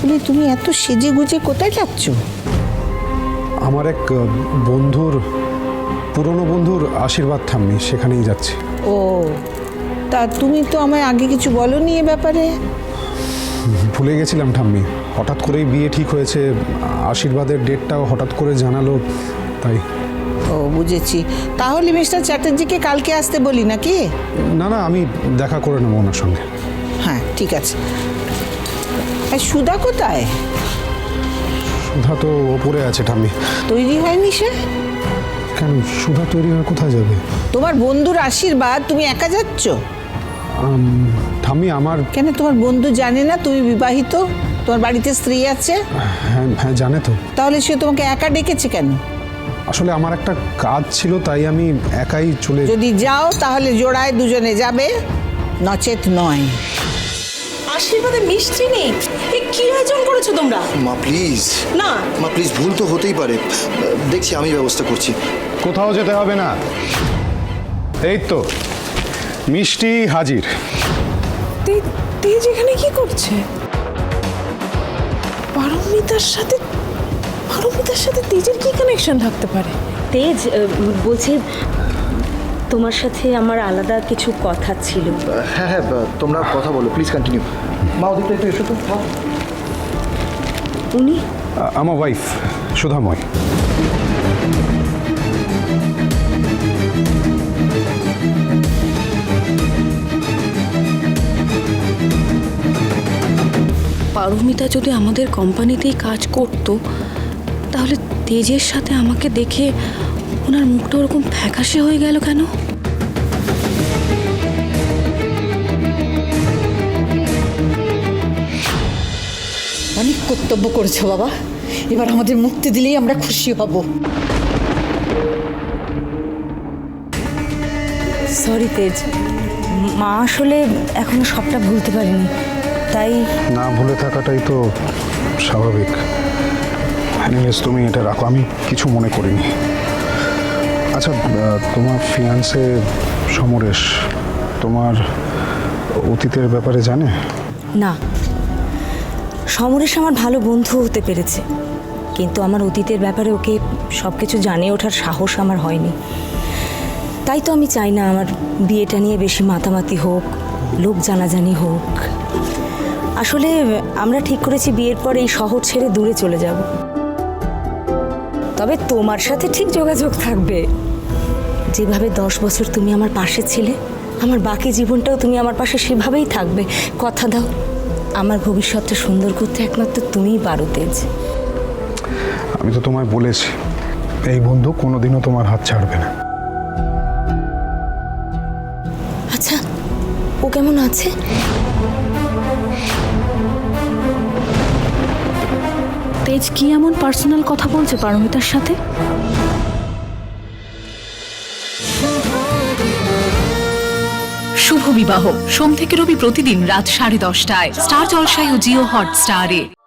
বলি তুমি এত সেজে গুজে কোথায় যাচ্ছ? আমার এক বন্ধুর পুরনো বন্ধুর আশীর্বাদ ঠাম্মি, সেখানেই যাচ্ছি। ও, তা তুমি তো আমায় আগে কিছু বলোনি এ ব্যাপারে। ভুলে গেছিলাম ঠাম্মি, হঠাৎ করেই বিয়ে ঠিক হয়েছে, আশীর্বাদের ডেটটাও হঠাৎ করে জানালো, তাই। ও বুঝেছি। তাহলে মিস্টার চ্যাটার্জিকে কালকে আসতে বলি নাকি? না না, আমি দেখা করে নেবো ওনার সঙ্গে। হ্যাঁ ঠিক আছে। আর সুধা কোথায়? সুধা তো ওপরে আছে ঠাম্মি। তৈরি হয়নি সে? কেন, সুধা তৈরি হয়ে কোথায় যাবে? তোমার বন্ধুর আশীর্বাদ, তুমি একা যাচ্ছ? ঠাম্মি আমার। কেন তোমার বন্ধু জানে না তুমি বিবাহিত? তোমার বাড়িতে স্ত্রী আছে? হ্যাঁ হ্যাঁ, জানে তো। তাহলে সে তোমাকে একা ডেকেছে কেন? আসলে আমার একটা কাজ ছিল, তাই আমি একাই চলে। যদি যাও তাহলে জোড়ায় দুজনে যাবে, নচেত নয়। আশীর্বাদে মিষ্টি নেই, এ কি আয়োজন করেছো তোমরা? মা প্লিজ। না মা প্লিজ, ভুল তো হতেই পারে, দেখছি আমি ব্যবস্থা করছি। কোথাও যেতে হবে না, এই তো মিষ্টি হাজির। তেজ এখানে কি করছে? পারমিতার সাথে তেজের কি কানেকশন থাকতে পারে? তেজ বলছি, তোমার সাথে আমার আলাদা কিছু কথা ছিল। হ্যাঁ হ্যাঁ, তোমরা কথা বলো, প্লিজ কন্টিনিউ। মা ওদিকটা একটু এসো তো। উনি আমার ওয়াইফ সুধাময়। পারমিতা যদি আমাদের কোম্পানিতেই কাজ করত, তাহলে তেজের সাথে আমাকে দেখে ওনার মুখটা ওরকম ফ্যাকাশে হয়ে গেল কেন? অনেক কর্তব্য করেছো বাবা, এবার আমাদের মুক্তি দিলেই আমরা খুশি হব। সরি তেজ, মা আসলে এখনো সবটা ভুলতে পারিনি, তাই। না ভুলে থাকাটাই তো স্বাভাবিক। এনিওয়েজ তুমি এটা রাখো, আমি কিছু মনে করিনি। আচ্ছা, তোমার ফিয়ান্সে সমরেশ তোমার অতীতের ব্যাপারে জানে? না, সমরেশ আমার ভালো বন্ধু হতে পেরেছে, কিন্তু আমার অতীতের ব্যাপারে ওকে সব কিছু জানিয়ে ওঠার সাহস আমার হয়নি। তাই তো আমি চাই না আমার বিয়েটা নিয়ে বেশি মাতামাতি হোক, লোক জানাজানি হোক। আসলে আমরা ঠিক করেছি বিয়ের পর এই শহর ছেড়ে দূরে চলে যাব। তবে তোমার সাথে ঠিক যোগাযোগ থাকবে। যেভাবে 10 বছর তুমি আমার পাশে ছিলে, আমার বাকি জীবনটাও তুমি আমার পাশে সেভাবেই থাকবে। কথা দাও, আমার ভবিষ্যৎটা সুন্দর করতে একমাত্র তুমিই পারো তেজ। আমি তো তোমায় বলেছি, এই বন্ধু কোনোদিনও তোমার হাত ছাড়বে না। আচ্ছা, ও কেমন আছে? তেজ কি এমন পার্সোনাল কথা বলছে পারমিতার সাথে? শুভ বিবাহ সোম থেকে রবি প্রতিদিন রাত 10:30টায় স্টার জলসায় ও জিও হটস্টারে।